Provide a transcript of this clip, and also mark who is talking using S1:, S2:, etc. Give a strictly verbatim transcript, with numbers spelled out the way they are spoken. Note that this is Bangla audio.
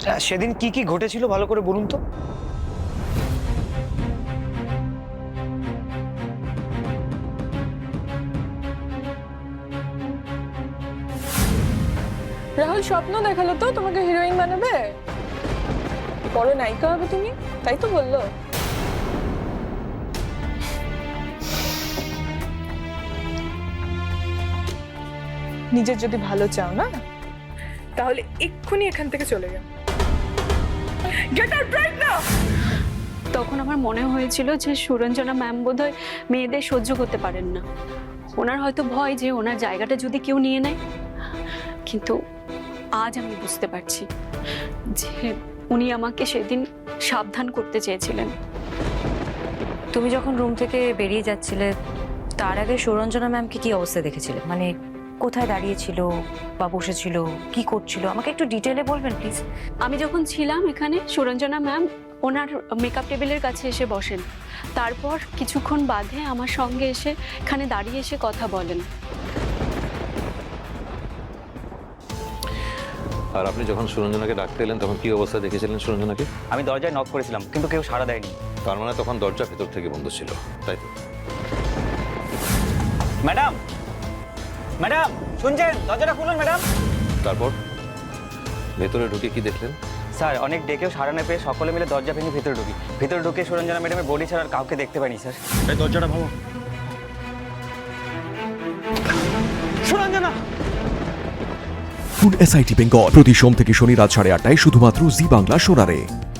S1: সেদিন কি কি ঘটেছিল ভালো করে বলুন তো।
S2: রাহুল স্বপ্ন দেখালো তো তোমাকে হিরোইন বানাবে, বড় নায়িকা হবে তুমি, তাই তো বললো। নিজের যদি ভালো চাও না তাহলে এক্ষুনি এখান থেকে চলে যাও। Get out right now.
S3: তখন আমার মনে হয়েছিল যে সুরঞ্জনা ম্যাম বোধহয় মেয়েদের সহ্য করতে পারেন না, ওনার হয়তো ভয় যে ওনার জায়গাটা যদি কেউ নিয়ে নেয়। কিন্তু আজ আমি বুঝতে পারছি যে উনি আমাকে সেদিন সাবধান করতে চেয়েছিলেন।
S4: তুমি যখন রুম থেকে বেরিয়ে যাচ্ছিলে তার আগে সুরঞ্জনা ম্যামকে কি অবস্থা দেখেছিলে, মানে কোথায় দাঁড়িয়েছিল বা বসেছিল, কি করছিল, আমাকে একটু ডিটেলে বলবেন প্লিজ।
S3: আমি যখন ছিলাম এখানে সুরঞ্জনা ম্যাম ওনার মেকআপ টেবিলের কাছে এসে বসেন, তারপর কিছুক্ষণ বাদে আমার সঙ্গে এসে এখানে দাঁড়িয়ে এসে কথা বলেন।
S5: আর আপনি যখন সুরঞ্জনাকে ডাকতে এলেন তখন কি অবস্থা দেখেছিলেন সুরঞ্জনাকে?
S6: আমি দরজায় নক করেছিলাম কিন্তু কেউ সাড়া দেয়নি।
S5: তার মানে তখন দরজা ভেতর থেকে বন্ধ ছিল, তাই তো?
S6: ম্যাডাম, ম্যাডাম শুনছেন? দরজাটা খুলুন ম্যাডাম।
S5: তারপর ভেতরে ঢুকে কি দেখলেন?
S6: স্যার অনেক ডেকেও সাড়া না পেয়ে সকলে মিলে দরজা ভেঙে ভেতরে ঢুকি। ভেতরে ঢুকে সুরঞ্জনা ম্যাডামের বডি ছাড়া আর কাউকে দেখতে পাইনি স্যার।
S5: এই দরজাটা ভাঙো।
S6: সুরঞ্জনা!
S7: এসআইটি বেঙ্গল প্রতি সোম থেকে শনি রাত সাড়ে আটটায় শুধুমাত্র জি বাংলা সোনারে।